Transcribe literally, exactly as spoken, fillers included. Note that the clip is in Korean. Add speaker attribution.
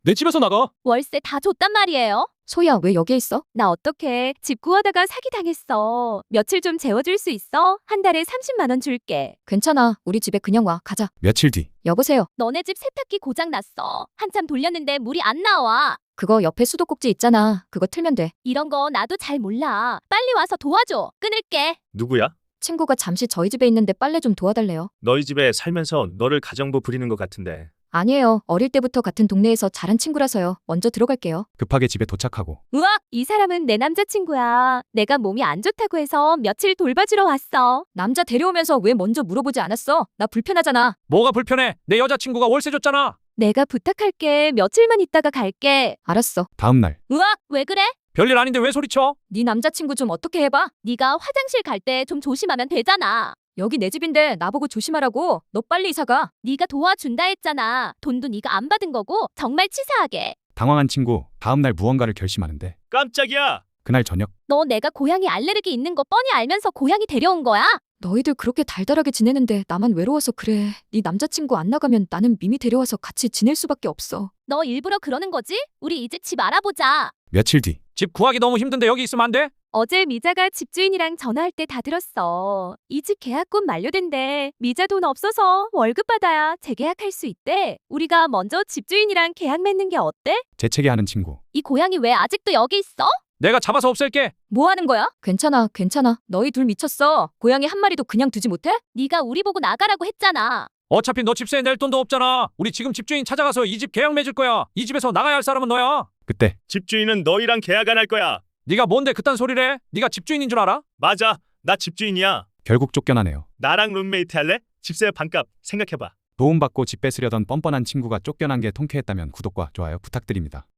Speaker 1: 내 집에서 나가.
Speaker 2: 월세 다 줬단 말이에요.
Speaker 3: 소희야, 왜 여기에 있어?
Speaker 2: 나 어떡해. 집 구하다가 사기당했어. 며칠 좀 재워줄 수 있어? 한 달에 삼십만 원 줄게.
Speaker 3: 괜찮아. 우리 집에 그냥 와. 가자.
Speaker 1: 며칠 뒤.
Speaker 3: 여보세요.
Speaker 2: 너네 집 세탁기 고장 났어. 한참 돌렸는데 물이 안 나와.
Speaker 3: 그거 옆에 수도꼭지 있잖아. 그거 틀면 돼.
Speaker 2: 이런 거 나도 잘 몰라. 빨리 와서 도와줘. 끊을게.
Speaker 4: 누구야?
Speaker 3: 친구가 잠시 저희 집에 있는데 빨래 좀 도와달래요.
Speaker 4: 너희 집에 살면서 너를 가정부 부리는 것 같은데.
Speaker 3: 아니에요. 어릴 때부터 같은 동네에서 자란 친구라서요. 먼저 들어갈게요.
Speaker 1: 급하게 집에 도착하고.
Speaker 2: 우와, 이 사람은 내 남자친구야. 내가 몸이 안 좋다고 해서 며칠 돌봐주러 왔어.
Speaker 3: 남자 데려오면서 왜 먼저 물어보지 않았어? 나 불편하잖아.
Speaker 1: 뭐가 불편해? 내 여자친구가 월세 줬잖아.
Speaker 2: 내가 부탁할게. 며칠만 있다가 갈게.
Speaker 3: 알았어.
Speaker 1: 다음 날.
Speaker 2: 우와, 왜 그래?
Speaker 1: 별일 아닌데 왜 소리쳐?
Speaker 3: 네 남자친구 좀 어떻게 해봐?
Speaker 2: 네가 화장실 갈 때 좀 조심하면 되잖아.
Speaker 3: 여기 내 집인데 나보고 조심하라고. 너 빨리 이사 가.
Speaker 2: 네가 도와준다 했잖아. 돈도 네가 안 받은 거고 정말 치사하게.
Speaker 1: 당황한 친구. 다음 날 무언가를 결심하는데.
Speaker 4: 깜짝이야!
Speaker 1: 그날 저녁.
Speaker 2: 너 내가 고양이 알레르기 있는 거 뻔히 알면서 고양이 데려온 거야?
Speaker 3: 너희들 그렇게 달달하게 지내는데 나만 외로워서 그래. 네 남자친구 안 나가면 나는 미미 데려와서 같이 지낼 수밖에 없어.
Speaker 2: 너 일부러 그러는 거지? 우리 이제 집 알아보자.
Speaker 1: 며칠 뒤. 집 구하기 너무 힘든데 여기 있으면 안 돼?
Speaker 2: 어제 미자가 집주인이랑 전화할 때 다 들었어. 이 집 계약금 만료된대. 미자 돈 없어서 월급 받아야 재계약할 수 있대. 우리가 먼저 집주인이랑 계약 맺는 게 어때?
Speaker 1: 재채기하는 친구.
Speaker 2: 이 고양이 왜 아직도 여기 있어?
Speaker 1: 내가 잡아서 없앨게.
Speaker 3: 뭐 하는 거야? 괜찮아, 괜찮아. 너희 둘 미쳤어. 고양이 한 마리도 그냥 두지 못해?
Speaker 2: 네가 우리 보고 나가라고 했잖아.
Speaker 1: 어차피 너 집세 낼 돈도 없잖아. 우리 지금 집주인 찾아가서 이 집 계약 맺을 거야. 이 집에서 나가야 할 사람은 너야. 그때.
Speaker 4: 집주인은 너희랑 계약 안 할 거야.
Speaker 1: 네가 뭔데 그딴 소리를 해? 네가 집주인인 줄 알아?
Speaker 4: 맞아. 나 집주인이야.
Speaker 1: 결국 쫓겨나네요.
Speaker 4: 나랑 룸메이트 할래? 집세 반값 생각해봐.
Speaker 1: 도움받고 집 뺏으려던 뻔뻔한 친구가 쫓겨난 게 통쾌했다면 구독과 좋아요 부탁드립니다.